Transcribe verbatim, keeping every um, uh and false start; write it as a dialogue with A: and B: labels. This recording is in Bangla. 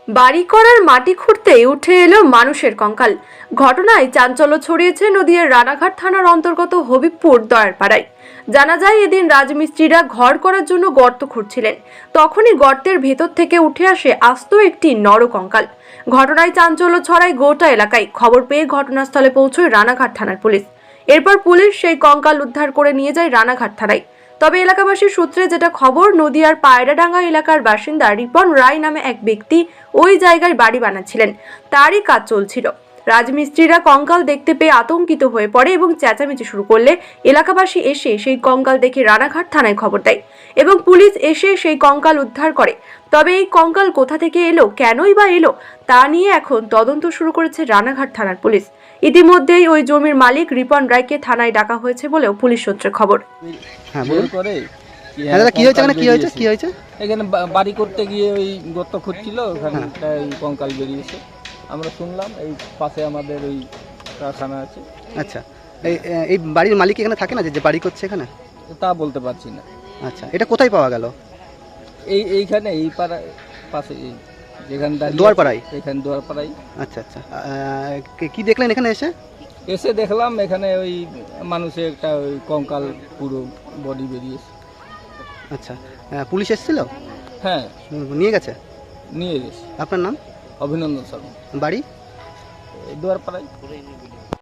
A: বাড়ি করার মাটি খুঁড়তে উঠে এলো মানুষের কঙ্কাল। ঘটনায় চাঞ্চল্য ছড়িয়েছে নদীয়ার রানাঘাট থানার অন্তর্গত হবিবপুর দয়ারপাড়ায়। জানা যায়, এদিন রাজমিস্ত্রিরা ঘর করার জন্য গর্ত খুঁড়ছিলেন। তখনই গর্তের ভেতর থেকে উঠে আসে আস্ত একটি নরকঙ্কাল। ঘটনায় চাঞ্চল্য ছড়ায় গোটা এলাকায়। খবর পেয়ে ঘটনাস্থলে পৌঁছয় রানাঘাট থানার পুলিশ। এরপর পুলিশ সেই কঙ্কাল উদ্ধার করে নিয়ে যায় রানাঘাট থানায়। তবে এলাকাবাসীর সূত্রে যেটা খবর, নদীয়ার পায়রাডাঙ্গা এলাকার বাসিন্দা রিপন রায় নামে এক ব্যক্তি ওই জায়গায় বাড়ি বানাচ্ছিলেন। তারই কাজ চলছিল। রাজমিস্ত্রিরা কঙ্কাল দেখতে পেয়ে আতঙ্কিত হয়ে পড়ে এবং চেঁচামেচি শুরু করলে এলাকাবাসী এসে সেই কঙ্কাল দেখে রানাঘাট থানায় খবর দেয় এবং পুলিশ এসে সেই কঙ্কাল উদ্ধার করে। তবে এই কঙ্কাল কোথা থেকে এলো, কেনই বা এলো, তা নিয়ে এখন তদন্ত শুরু করেছে রানাঘাট থানার পুলিশ। ইতিমধ্যেই ওই জমির মালিক রিপন রায়কে থানায় ডাকা হয়েছে বলেও পুলিশ সূত্রে খবর।
B: হ্যাঁ বলুন
C: করে
B: হ্যাঁ দাদা, কি হয়েছে এখানে, কি হয়েছে কি হয়েছে
C: এখানে বা- বাড়ি করতে গিয়ে ওই গর্ত খুঁড়ছিল, ওখানে একটা এই কঙ্কাল বেরিয়েছে। আমরা শুনলাম এই পাশে আমাদের ওই কারখানা আছে।
B: আচ্ছা, এই এই বাড়ির মালিক এখানে থাকে না, যে যে বাড়ি করছে এখানে?
C: তা বলতে পারছি না।
B: আচ্ছা, এটা কোথায় পাওয়া গেল?
C: এই এইখানে এই পাড়া পাশে এই যেখানে দাঁড়িয়ে
B: দুয়ারপাড়ায়?
C: আছি, এখানে দুয়ারপাড়ায়
B: আচ্ছা আচ্ছা, আহ, কি- কি দেখলেন এখানে এসে?
C: এসে দেখলাম এখানে ওই মানুষের একটা ওই কঙ্কাল পুরো বডি বেরিয়েছে।
B: আচ্ছা, আহ, পুলিশ এসেছিল?
C: হ্যাঁ,
B: হুম, নিয়ে গেছে?
C: নিয়ে গেছে।
B: আপনার নাম?
C: অভিনন্দন শর্মা,
B: বাড়ি?
C: এই দুয়ারপাড়ায়।